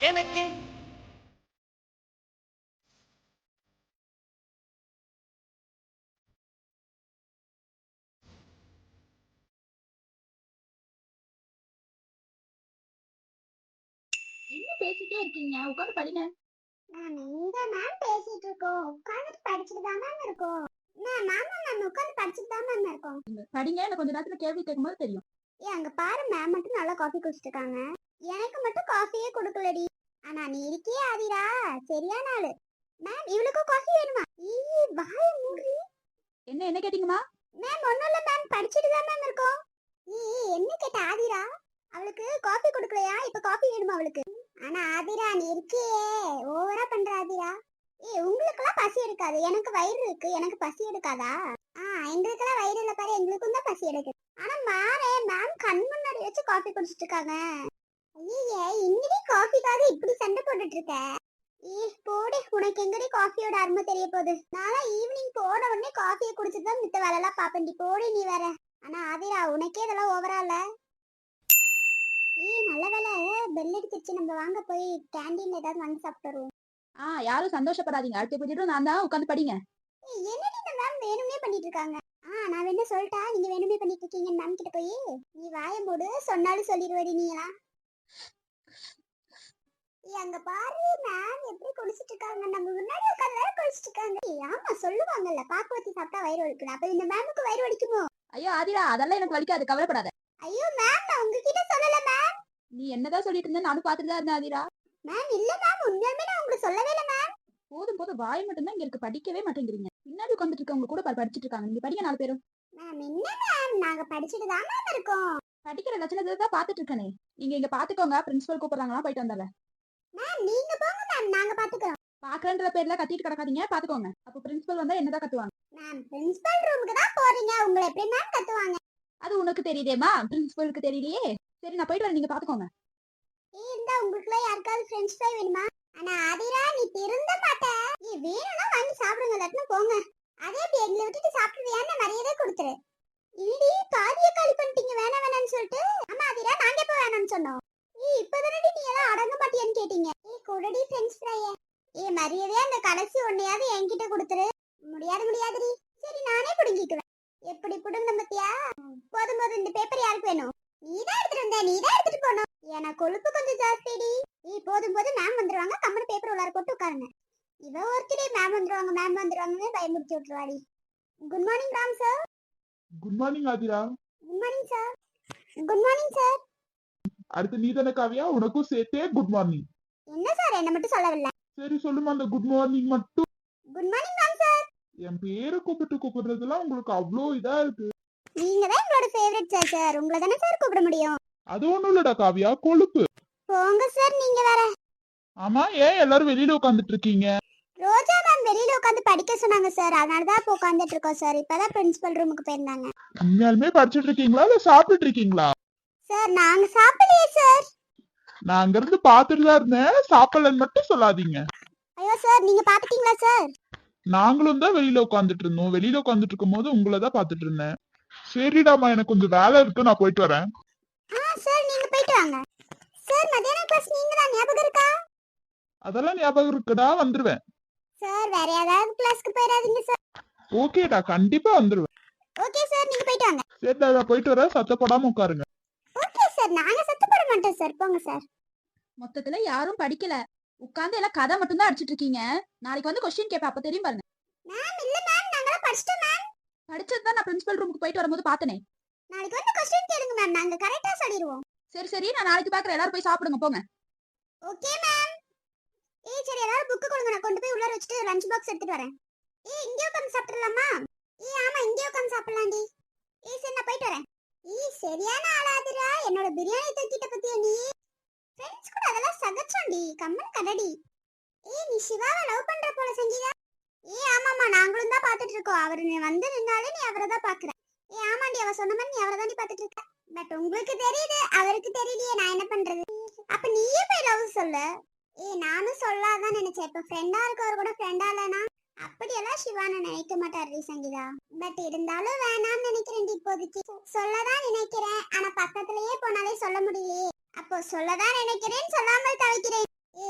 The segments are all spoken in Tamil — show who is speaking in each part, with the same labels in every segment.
Speaker 1: எனக்கு
Speaker 2: என்ன பேசிட்டே இருக்கீங்க? உட்காந்து படிங்க.
Speaker 3: மேம் இங்க மேம் பேசிட்டு இருக்கோம். உட்கார்ந்து படிச்சிட்டு தான் மேம் இருக்கோம். மேம் ஆமா மேம் உட்கார்ந்து படிச்சிட்டு தான் மேம் இருக்கோம்.
Speaker 2: படிங்க. எனக்கு கொஞ்ச நேரத்துல கேள்வி கேட்கும்போது தெரியும்.
Speaker 3: அங்க பாரு மேம் மட்டும் நல்லா காஃபி குடிச்சிட்டு இருக்காங்க. எனக்கு மட்டும் காஃபியே கொடுக்கலடி. ஆனா நீ இருக்கியே ஆதிரா, சரியான ஆளு. மேம் இவளுக்கும் காஃபி வேணுமா? ஈ வாய மூடி.
Speaker 2: என்ன கேட்டீங்கம்மா?
Speaker 3: மேம் ஒண்ணும் இல்ல மேம், படிச்சிட்டு தான் மேம் இருக்கோம். ஈ என்ன கேட்ட ஆதிரா? அவளுக்கு காஃபி கொடுக்கலையா? இப்ப காஃபி வேணுமா அவளுக்கு? ஆனா ஆதிரா நீ இருக்கியே, ஓவரா பண்ற ஆதிரா. உங்களுக்கெல்லாம் பசி எடுக்காது, எனக்கு வயிறு இருக்கு, எனக்கு பசி எடுக்காதா? எங்களுக்கெல்லாம் வயிறு இல்ல பாரு, எங்களுக்கும் தான் பசி எடுக்குது. ஆனா மாறே மேம் கண் முன்னாடி வச்சு காஃபி குடிச்சிட்டு இருக்காங்க. ஐயே இன்னடி காஃபிக்காக இப்படி சண்டை போட்டுட்டு இருக்க? போடி, உனக்கு எங்கடி காஃபியோட அருமை தெரிய போகுது? நாளா ஈவினிங் போன உடனே காஃபியை குடிச்சிட்டு தான் மித்த வேலை எல்லாம் பாப்பண்டி. போடி நீ வேற. ஆனா ஆதிரா உனக்கே இதெல்லாம் ஓவரா இல்ல? நல்ல வேலை பெல் அடிச்சிருச்சு, நம்ம வாங்க போய் கேண்டீன்ல ஏதாவது வாங்கி சாப்பிட்டு வருவோம்.
Speaker 2: யாரும் சந்தோஷப்படாதீங்க. அடுத்த பீரியடும் நான் தான். உட்காந்து படிங்க.
Speaker 3: என்னடி இந்த மேம் வேணுமே பண்ணிட்டு இருக்காங்க? நான் என்ன சொல்லிட்டா, நீங்க வேணுமே பண்ணிட்டு இருக்கீங்க மேம் கிட்ட போய். நீ வாய மூடு, சொன்னாலும் சொல்லிடுவடி நீங்களா. அங்க பாரு மேம் எப்படி குடிச்சிட்டு இருக்காங்க, நம்ம முன்னாடி உட்கார்ந்து வேற குடிச்சிட்டு இருக்காங்க. ஆமா சொல்லுவாங்கல்ல, பாக்கு ஊத்தி சாப்பிட்டா வயிறு வலிக்கும். அப்ப இந்த மேமுக்கு வயிறு வலிக்குமோ?
Speaker 2: ஐயோ ஆதிரா, அதெல்லாம் எனக்கு வலிக்காது, கவலைப்படாத.
Speaker 3: ஐயோ மேம் நான் உங்ககிட்ட சொல்லல மேம்.
Speaker 2: நீ என்னதான் சொல்லிட்டு இருந்த? நானும் பாத்துட்டு தான் இருந்தேன் ஆதிரா.
Speaker 3: மேம் இல்ல மேம், உண்மையாலுமே நான் உங்களுக்கு சொல்லவே இல்ல மேம்.
Speaker 2: போதும் வாய் மட்டும் தான் இங்க இருக்கு, படிக்கவே மாட்டேங்கிறீங்க. பின்னாடி உட்காந்துட்டு இருக்கவங்க கூட படிச்சிட்டு இருக்காங்க. நீங்க படிங்க 4 பேரும்.
Speaker 3: மேம் என்ன மேம், நாங்க படிச்சிட்டு தான் மேம் இருக்கோம்.
Speaker 2: படிக்கிற லட்சணத்தை தான் பாத்துட்டு இருக்கனே. நீங்க இங்க பாத்துக்கோங்க, பிரின்சிபல் கூப்பிடுறாங்களா, போயிட்டு வந்தால.
Speaker 3: மேம் நீங்க போங்க மேம், நாங்க பாத்துக்கிறோம்.
Speaker 2: பாக்குறன்ற பேர்ல கத்திட்டு கிடக்காதீங்க, பாத்துக்கோங்க. அப்ப பிரின்சிபல் வந்தா என்னதான் கத்துவாங்க.
Speaker 3: மேம் பிரின்சிபல் ரூமுக்கு தான் போறீங்க, உங்களை எப்படி மேம் கத்துவாங்க?
Speaker 2: அது உனக்கு தெரியுதேமா, பிரின்சிபலுக்கு தெரியலையே. சரி நான் போயிட்டு வரேன், நீங்க பாத்துக்கோங்க.
Speaker 3: இந்த உங்களுக்குள்ள யாருக்காவது ஃப்ரெஞ்ச் ஃப்ரை வேணுமா? ஆனா ஆதிரா நீ திருந்த மாட்ட. நீ வேணும்னா வாங்கி சாப்பிடுங்க, இல்லாட்டினா போங்க. அதே இப்படி எங்களை விட்டுட்டு சாப்பிடுவியான்னு மரியாதை கொடுத்துரு. இடி பாதிய காலி பண்ணிட்டீங்க வேணாம்னு சொல்லிட்டு. ஆமா ஆதிரா, நாங்க எப்ப வேணாம்னு சொன்னோம்? இப்பதானே நீ எல்லாம் அடங்க மாட்டியான்னு கேட்டீங்க. குடடி ஃப்ரெஞ்ச் ஃப்ரைய. மரியாதையா அந்த கடைசி ஒன்னையாவது என்கிட்ட கொடுத்துரு. முடியாதுடி. சரி நானே புடுங்கிக்குவேன். எப்படி புடுங்க பத்தியா? போதும் இந்த பேப்பர் யாருக்கு வேணும்? நீதான் எடுத்துட்டு வந்த, நீதான் எடுத்துட்டு போனோம். எனக்கு கொழுப்பு கொஞ்சம் ஜாஸ்திடி. போதும் மேம் வந்துருவாங்க, கம்மன் பேப்பர் உள்ளார போட்டு உட்காருங்க. இவ ஒருத்தரே மேம் வந்துருவாங்கன்னு பயமுறுத்தி விட்டுருவாடி. Good morning Ram sir.
Speaker 4: Good morning Aadhira.
Speaker 3: Good morning sir. Good morning sir.
Speaker 4: அடுத்து நீ தானே காவியா, உனக்கும் சேர்த்தே குட் மார்னிங்.
Speaker 3: என்ன சார் என்ன மட்டும் சொல்லவில்லை?
Speaker 4: சரி சொல்லுமா, அந்த குட் மார்னிங் மட்டும்.
Speaker 3: Good morning Ram sir.
Speaker 4: என் பேரை கூப்பிடுறதுலாம் உங்களுக்கு அவ்வளோ இதா இருக்கு.
Speaker 3: நீங்க தான் எங்களோட ஃபேவரட் சார், உங்களை தானே சார் கூப்பிட முடியும்.
Speaker 4: அது ஒண்ணும் இல்லடா காவியா, கொழுப்பு.
Speaker 3: போங்க சார் நீங்க வேற.
Speaker 4: ஆமா, ஏன் எல்லாரும் வெளியில உட்காந்துட்டு இருக்கீங்க?
Speaker 3: ரோஜா மேம் வெளியில உட்காந்து படிக்க சொன்னாங்க சார், அதனாலதான் இப்ப உட்காந்துட்டு இருக்கோம் சார். இப்பதான் பிரின்சிபல் ரூமுக்கு போயிருந்தாங்க.
Speaker 4: உண்மையாலுமே படிச்சுட்டு இருக்கீங்களா இல்ல சாப்பிட்டுட்டு இருக்கீங்களா?
Speaker 3: சார் நாங்க சாப்பிடலையே சார்.
Speaker 4: நான் அங்க இருந்து பாத்துட்டு தான் இருந்தேன், சாப்பிடலன்னு மட்டும் சொல்லாதீங்க.
Speaker 3: ஐயோ சார் நீங்க பாத்துட்டீங்களா சார்?
Speaker 4: நாங்களும் தான் வெளியில உட்காந்துட்டு இருந்தோம். வெளியில உட்காந்துட்டு இருக்கும் போது உங்களை தான் பாத்துட்டு இருந்தேன். சரிடாமா, எனக்கு கொஞ்சம் வேலை இருக்கு, நான் போயிட்டு வரேன்.
Speaker 3: சார் நீங்க போயிட்டு வாங்க. சார் மத்தியான கிளாஸ் நீங்க தான், ஞாபகம் இருக்கா?
Speaker 4: அதெல்லாம் ஞாபகம் இருக்குடா, வந்துருவேன்.
Speaker 3: சார் வேற ஏதாவது கிளாஸ்க்கு போயிடாதீங்க சார்.
Speaker 4: ஓகேடா, கண்டிப்பா வந்துருவேன்.
Speaker 3: ஓகே சார் நீங்க போயிட்டு வாங்க.
Speaker 4: சரிடா, நான் போயிட்டு வரேன், சத்தப்படாம உட்காருங்க.
Speaker 3: ஓகே சார், நாங்க சத்தப்பட மாட்டோம் சார், போங்க சார்.
Speaker 2: மொத்தத்துல யாரும் படிக்கல, உட்கார்ந்து எல்லாம் கதை மட்டும் தான் அடிச்சிட்டு இருக்கீங்க. நாளைக்கு வந்து கொஸ்டின் கேப்ப, அப்ப தெரியும் பாருங்க.
Speaker 3: மேம் இல்ல மேம், நாங்க படிச்சிட்டோம் மேம்.
Speaker 2: படிச்சதுதான் நான் பிரின்சிபல் ரூமுக்கு போயிட்டு வரும்போது பார்த்தனே.
Speaker 3: நாளைக்கு வந்து கொஸ்டின் கேளுங்க மேம், நாங்க கரெக்ட்டா சொல்லிடுவோம்.
Speaker 2: சரி நான் நாளைக்கு பாக்குறேன். எல்லாரும் போய் சாப்பிடுங்க, போங்க.
Speaker 3: Okay ma'am. சரி எல்லாரும் புக் கொடுங்க, நான் கொண்டு போய் உள்ளார வச்சிட்டு லஞ்ச் பாக்ஸ் எடுத்துட்டு வரேன். இங்க உட்கார்ந்து சாப்பிடலாமா? ஆமா இங்க உட்கார்ந்து சாப்பிடலாம்டி. சரி நான் போயிட்டு வரேன். சரியான ஆளாதுடா, என்னோட பிரியாணி தூக்கிட்ட பத்தியா நீ? ஃப்ரெண்ட்ஸ் கூட அதெல்லாம் சகச்சோண்டி, கம்மன் கடடி. நீ சிவாவை லவ் பண்ற போல சங்கீதா. ஆமாமா நாங்களும் தான் பாத்துட்டு இருக்கோம். அவரு நீ வந்து நின்னாலே நீ அவரை தான் பாக்குற. ஆமாண்டி, அவ சொன்ன மாதிரி நீ அவரை தான் பாத்துட்டு இருக்க. பட் உங்களுக்கு தெரியுது, அவருக்கு தெரியலையே, நான் என்ன பண்றது? அப்ப நீயே போய் லவ் சொல்லு. நானும் சொல்லாதான் நினைச்சேன். இப்ப ஃப்ரெண்டா இருக்கவர் கூட ஃப்ரெண்டா இல்லனா அப்படியெல்லாம் சிவான நினைக்க மாட்டாரு சங்கீதா. பட் இருந்தாலும் வேணாம்னு நினைக்கிறேன் இப்போதைக்கு. சொல்லதான் நினைக்கிறேன், ஆனா பக்கத்திலேயே போனாலே சொல்ல முடியலையே. அப்போ சொல்லதான் நினைக்கிறேன், சொல்லாமல் தவிக்கிறேன்.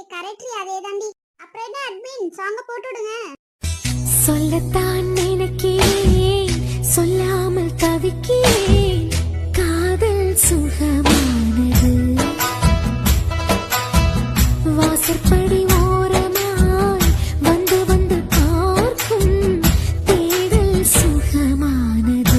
Speaker 3: சாங்க போட்டு விடுங்க.
Speaker 1: சொல்லத்தான் நினைக்கிறேன், சொல்லாமல் தவிக்கிறேன். காதல் சுகமானது. வாசற்படி ஓரமாய் வந்து வந்து பார்க்கும் தேடல் சுகமானது.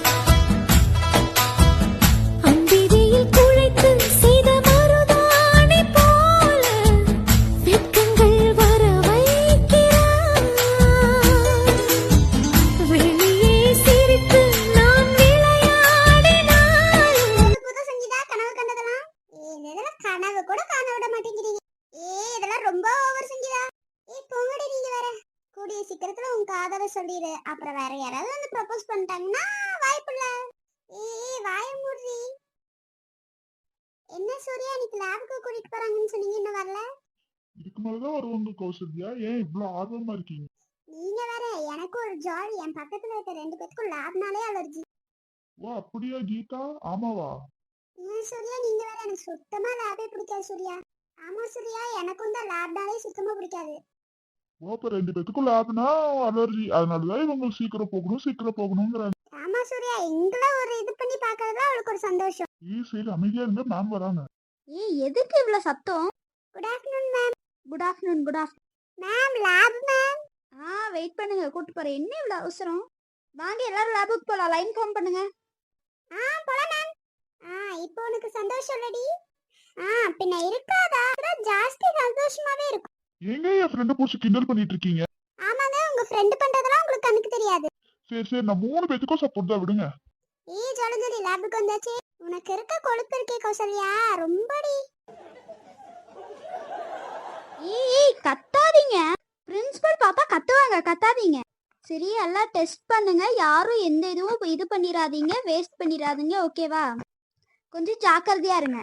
Speaker 1: அம்பிகையில் குழைத்து செய்த மருதாணி போல வெட்கங்கள் வர வைக்கிறாய். வெளியே சிரித்து நான் விளையாடினாலும்
Speaker 3: புது புது சங்கீதா கனவு கண்டதெல்லாம். இதெல்லாம் கனவு கூட காண விட மாட்டேங்கிறீங்க. இதெல்லாம் ரொம்ப ஓவர் சங்கீதா. போங்கடி நீங்க வேற. கூடிய சீக்கிரத்துல உன் காதலை சொல்லிடு. அப்புறம் வேற யாராவது வந்து ப்ரப்போஸ் பண்ணிட்டாங்கன்னா வாய்ப்பில்ல. வாய மூடி. என்ன சூர்யா இன்னைக்கு லேபுக்கு கூட்டிட்டு போறாங்கன்னு சொன்னீங்க, இன்னும் வரல?
Speaker 4: இதுக்கு மேலதான் வருவாங்க கௌசல்யா. ஏன் இவ்வளவு ஆர்வமா இருக்கீங்க?
Speaker 3: நீங்க வேற. எனக்கு ஒரு ஜாலி. என் பக்கத்துல இருக்க 2 பேத்துக்கும் லேப்னாலே அலர்ஜி.
Speaker 4: ஓ அப்படியா கீதா? ஆமாவா?
Speaker 3: ஏன் சூர்யா நீங்க வேற. எனக்கு சுத்தமா லேபே பிடிக்காது சூர்யா. ஆமா சூர்யா, எனக்கும் தான் லேப்னாலே சுத்தமா பிடிக்காது.
Speaker 4: ஓ அப்ப 2 பேத்துக்கும் லேப்னா அலர்ஜி, அதனாலதான் இவங்க சீக்கிரம் போகணுங்கிறாங்க.
Speaker 3: ஆமா சூர்யா, எங்களை ஒரு இது பண்ணி பாக்குறதுல அவளுக்கு ஒரு சந்தோஷம்.
Speaker 4: சரி அமைதியா இருங்க, மேம் வராங்க.
Speaker 2: எதுக்கு இவ்வளவு சத்தம்?
Speaker 3: Good afternoon ma'am.
Speaker 2: Good afternoon. Good afternoon.
Speaker 3: Ma'am lab ma'am.
Speaker 2: Wait பண்ணுங்க, கூட்டு போறேன். என்ன இவ்வளவு அவசரம்? வாங்க எல்லாரும் லேபுக்கு போலாம். லைன் ஃபார்ம் பண்ணுங்க.
Speaker 3: போலாம் மேம். இப்போ உனக்கு சந்தோஷம் இல்லடி? பின்ன இருக்காதா? அதான் ஜாஸ்தி சந்தோஷமாவே இருக்கும்.
Speaker 4: எங்க என் ஃப்ரெண்ட புடிச்சு கிண்டல் பண்ணிட்டு இருக்கீங்க?
Speaker 3: ஆமாங்க, உங்க ஃப்ரெண்ட் பண்றதெல்லாம் உங்களுக்கு கண்ணுக்கு தெரியாது.
Speaker 4: சரி நான் 3 பேத்துக்கும் சப்போர்ட் தான், விடுங்க.
Speaker 3: ஜாலி ஜாலி லேபுக்கு வந்தாச்சு. உனக்கு இருக்க கொழுப்பு இருக்கே கௌசல்யா, ரொம்படி.
Speaker 2: கத்தாதீங்க. பிரின்சிபல் பார்த்தா கத்துவாங்க, கத்தாதீங்க. சரி எல்லாம் டெஸ்ட் பண்ணுங்க. யாரும் எந்த இதுவும் இது பண்ணிடாதீங்க, வேஸ்ட் பண்ணிடாதீங்க. ஓகேவா? கொஞ்சம் ஜாக்கிரதையா இருங்க.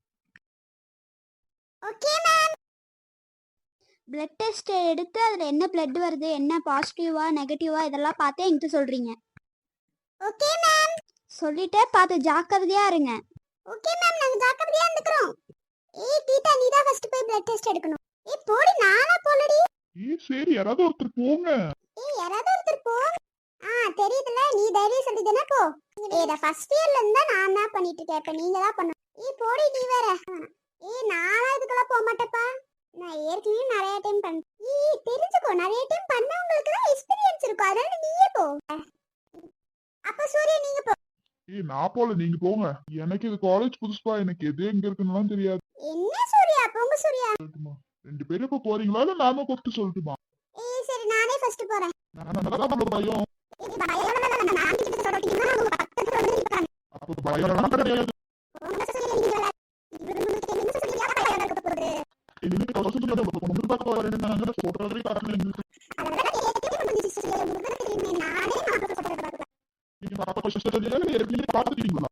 Speaker 3: Okay ma'am.
Speaker 2: பிளட் டெஸ்ட் எடுத்து அதில் என்ன பிளட் வருது, என்ன பாசிட்டிவா நெகட்டிவா இதெல்லாம் பார்த்து என்கிட்ட சொல்றீங்க.
Speaker 3: Okay ma'am.
Speaker 2: சொல்லிட்டு பார்த்து ஜாக்கிரதையா இருங்க.
Speaker 3: ஓகே மேம், நாங்க ஜாக்கிரதையா இருந்துக்கறோம். கீதா நீ தான் ஃபர்ஸ்ட் போய் பிளட் டெஸ்ட் எடுக்கணும். போடி, நானா போலடி.
Speaker 4: சரி யாராவது ஒருத்தர் போங்க.
Speaker 3: யாராவது ஒருத்தர் போ. தெரியுதுல, நீ தைரியம் சொல்லிதானே போ. இத ஃபர்ஸ்ட் இயர்ல இருந்தா நான் தான் பண்ணிட்டு இருக்கேன். இப்ப நீங்க தான் பண்ணணும். போடி நீ வேற. நானா இதுக்கெல்லாம் போக மாட்டேப்பா. நான் ஏற்கனவே நிறைய டைம் பண்ணேன். தெரிஞ்சுக்கோ, நிறைய டைம் பண்ணவங்களுக்கு தான் எக்ஸ்பீரியன்ஸ் இருக்கும். அதனால நீயே போ. அப்ப சூர்யா நீங்க போ.
Speaker 4: நான் போல, நீங்க போங்க. எனக்கு இது காலேஜ் புதுசுப்பா, எனக்கு எது எங்க இருக்குன்னு தெரியாது.
Speaker 3: என்ன சூர்யா, போங்க சூர்யா.
Speaker 4: 2 பேரும் இப்ப போறீங்களா இல்ல நாம கூப்பிட்டு சொல்லட்டுமா?
Speaker 3: சரி நானே ஃபர்ஸ்ட் போறேன்.
Speaker 4: பயம்
Speaker 3: நான் கிட்ட சொல்றீங்கன்னா அவங்க பக்கத்துல வந்து நிப்பாங்க.
Speaker 4: அப்ப பயம் கிடையாது.
Speaker 3: போங்க சூர்யா நீங்க வேற. இவங்களுக்கு என்ன சூர்யா பயம் இருக்க போகுது.
Speaker 4: சொல்றதே காரணம்
Speaker 3: அதெல்லாம் கேட்கவே முடிஞ்சு சூர்யா. உங்களுக்கு தெரியுமே, நானே மாப்பிள்ளை சொல்றத பார்க்கலாம்.
Speaker 4: நீங்க பாப்பா சிஸ்டர் ஏற்கனவே பாத்துட்டீங்களா?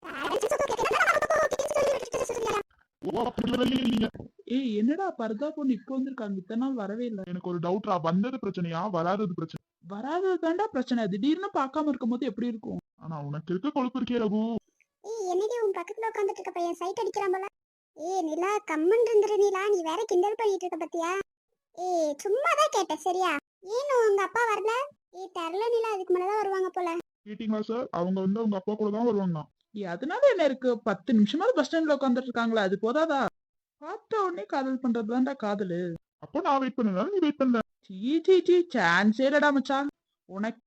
Speaker 5: என்னடா பரதா பொண்ணு இப்ப வந்திருக்காங்க, இத்தனை நாள் வரவே இல்ல.
Speaker 4: எனக்கு ஒரு டவுட்ரா, வந்தது பிரச்சனையா வராதது பிரச்சனை?
Speaker 5: வராதது தாண்டா பிரச்சனை. திடீர்னு பார்க்காம இருக்கும் போது எப்படி இருக்கும்?
Speaker 4: ஆனா உனக்கு இருக்க கொழுப்பு இருக்கே ரகு.
Speaker 3: என்னடி உன் பக்கத்துல உட்காந்துட்டு இருக்க பையன் சைட் அடிக்கிறான் போல. நிலா கம்மன் இருந்துரு நிலா, நீ வேற கிண்டல் பண்ணிட்டு இருக்க பத்தியா? சும்மாதான் கேட்டேன் சரியா? ஏன் உங்க அப்பா வரல? தெரியல நிலா, அதுக்கு மேலதான் வருவாங்க போல.
Speaker 4: கேட்டீங்களா சார்? அவங்க வந்து உங்க அப்பா கூட தான் வருவாங்க.
Speaker 5: அதனால என்ன இருக்கு, 10 நிமிஷமாவது பஸ் ஸ்டாண்ட்ல உட்காந்துட்டு இருக்காங்களா, அது போதாதா? பார்த்த உடனே காதல் பண்றதுதான்டா காதலு.
Speaker 4: அப்ப நான் வெயிட் பண்ணனால நீ வெயிட் பண்ணல.
Speaker 5: சீ சான்ஸே இல்லடா மச்சான். உனக்கு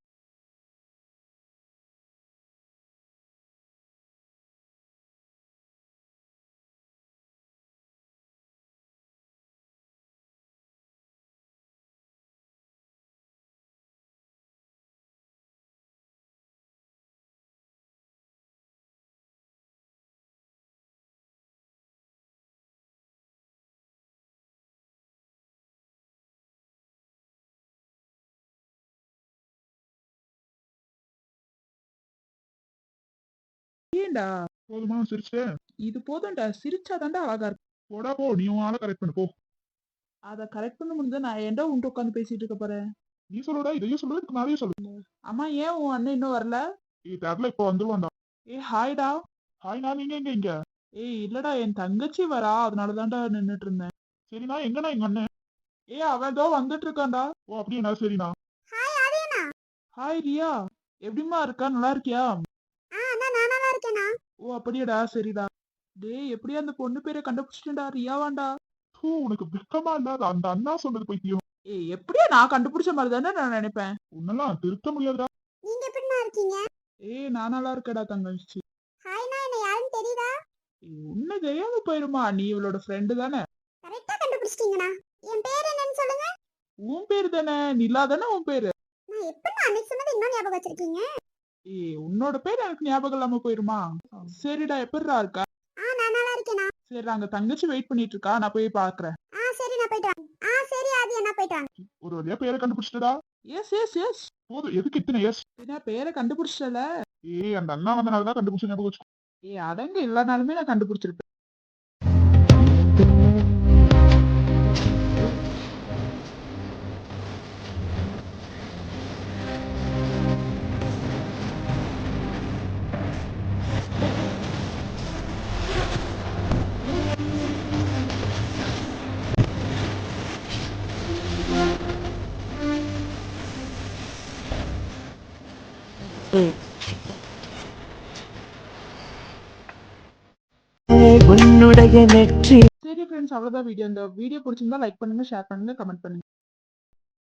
Speaker 5: ஏன்டா
Speaker 4: போதுமா சிரிச்சிட்டேன்?
Speaker 5: இது போதும்டா, சிரிச்சாதான்டா அழகா இருக்கும்.
Speaker 4: போடா போ, நீ உன் ஆளை கரெக்ட் பண்ணு போ.
Speaker 5: அதை கரெக்ட் பண்ண முடிஞ்சா நான் ஏன்டா உன்ட்டு உட்காந்து பேசிட்டு இருக்க போறேன்?
Speaker 4: நீ சொல்லுடா, இதையும் சொல்லு, இதுக்கு மேலேயும் சொல்லு.
Speaker 5: அம்மா ஏன் உன் அண்ணன் இன்னும் வரல?
Speaker 4: தெரியல, இப்ப வந்துருவான்டா.
Speaker 5: ஹாய்டா.
Speaker 4: ஹாய், நான் நீங்க எங்க? இங்க
Speaker 5: இல்லடா, என் தங்கச்சி வரா, அதனாலதான்டா நின்னுட்டு இருந்தேன்.
Speaker 4: சரிண்ணா, எங்கண்ணா எங்க அண்ணன்?
Speaker 5: அவன் ஏதோ வந்துட்டு இருக்கான்டா.
Speaker 4: ஓ அப்படியா, சரிண்ணா.
Speaker 3: ஹாய் ஆதியண்ணா.
Speaker 5: ஹாய் ரியா, எப்படிம்மா இருக்கா, நல்லா இருக்கியா?
Speaker 3: அண்ணா நான் நல்லா இருக்கேண்ணா.
Speaker 5: ஓ அப்படியாடா, சரிடா. டேய் எப்படியா அந்த பொண்ணு பேரை கண்டுபிடிச்சிட்டேன்டா, ரியாவாண்டா.
Speaker 4: ஹூ, உனக்கு வெக்கமா இல்லாத அந்த அண்ணா சொன்னது பைத்தியம்.
Speaker 5: எப்படியா நான் கண்டுபிடிச்ச மாதிரி தானே நான் நினைப்பேன்.
Speaker 4: உன்னெல்லாம் திருத்த முடியாதுடா.
Speaker 3: நீங்க எப்படிண்ணா இருக்கீங்க?
Speaker 5: நான் நல்லா இருக்கேடா தங்கச்சி.
Speaker 3: ஹாய்ண்ணா, என்ன யாருன்னு தெரியுதா?
Speaker 5: உன்னை தெரியாம போயிருமா, நீ இவளோட ஃப்ரெண்டு தானே.
Speaker 3: கரெக்டா கண்டுபிடிச்சிட்டீங்கண்ணா. என் பேர் என்னன்னு சொல்லுங்க.
Speaker 5: உன் பேரு தானே, நிலா தானே உன் பேரு.
Speaker 3: நான் எப்படிண்ணா அன்னைக்கு சொன்னது இன்னும் ஞாபகம் வச்சிருக்கீங்க?
Speaker 5: உன்னோட பேர் எனக்கு ஞாபகம் இல்லாம போயிருமா. சரிடா, எப்படிடா இருக்கா?
Speaker 3: நான் நல்லா இருக்கேண்ணா.
Speaker 5: சரி, அங்க தங்கச்சி வெயிட் பண்ணிட்டு இருக்கா, நான் போய் பாக்குறேன்.
Speaker 3: சரி நான் போயிட்டு வாங்க. சரி ஆதி அண்ணா போயிட்டு வாங்க.
Speaker 4: ஒரு வழியா பேரை கண்டுபிடிச்சிட்டடா.
Speaker 5: S S S.
Speaker 4: போதும், எதுக்கு இத்தனை எஸ்?
Speaker 5: பேரை கண்டுபிடிச்சல.
Speaker 4: அந்த அண்ணா வந்தனாலதான் கண்டுபிடிச்ச ஞாபகம் வச்சுக்கோ.
Speaker 5: அடங்க இல்லனாலுமே நான் கண்டுபிடிச்சிருப்பேன்.
Speaker 6: உன்னுடைய நெற்றி
Speaker 5: சரி ஃப்ரெண்ட்ஸ், அவ்வளவுதான் வீடியோ. இந்த வீடியோ பிடிச்சிருந்தா லைக் பண்ணுங்க, ஷேர் பண்ணுங்க, கமெண்ட் பண்ணுங்க.